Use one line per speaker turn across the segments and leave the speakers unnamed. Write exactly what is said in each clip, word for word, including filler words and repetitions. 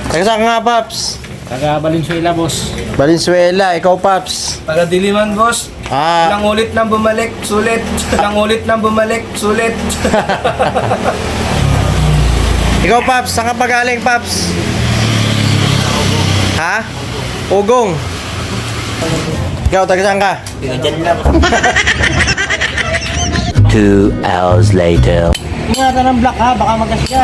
Taga saan ka nga, Paps?
Taga Valenzuela, boss.
Valenzuela, ikaw, Paps.
Taga Diliman, boss.
Ah,
Ilang ulit nang bumalik, sulit. Ilang ulit nang bumalik, sulit.
ikaw, Paps. Saan ka pa galing, Paps? Ha? Ugong. Ikaw, taga saan ka?
Two hours later.
Ingatan ng black ha, baka magasya.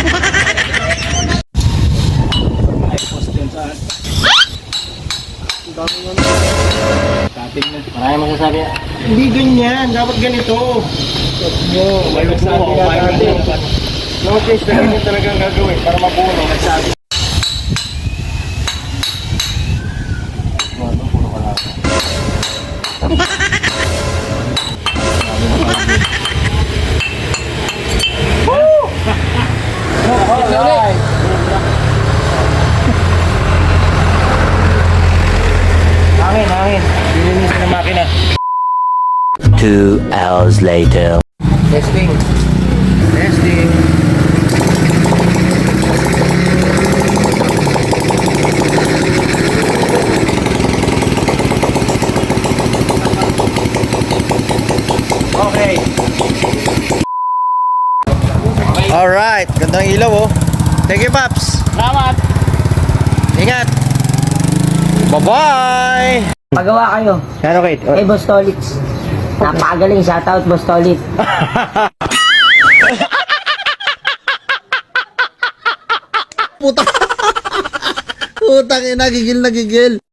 Maraming masasabi.
Hindi ganyan. Dapat ganito.
Yo, may magsabi natin.
Notice na ganyan talagang gagawin para mabuo. Nagsabi.
Hangin, hangin. Dilinisin ng makina.
Two hours later.
Testing.
Testing.
Okay.
Alright. Gandang ilaw, oh. Thank you, Paps.
Salamat.
Ingat. Bye-bye.
Pagawa kayo.
Ano, Kate?
Kay Boss Tolitz. Napakagaling. Shoutout, Boss Tolit.
Putang ina, gigil na gigil.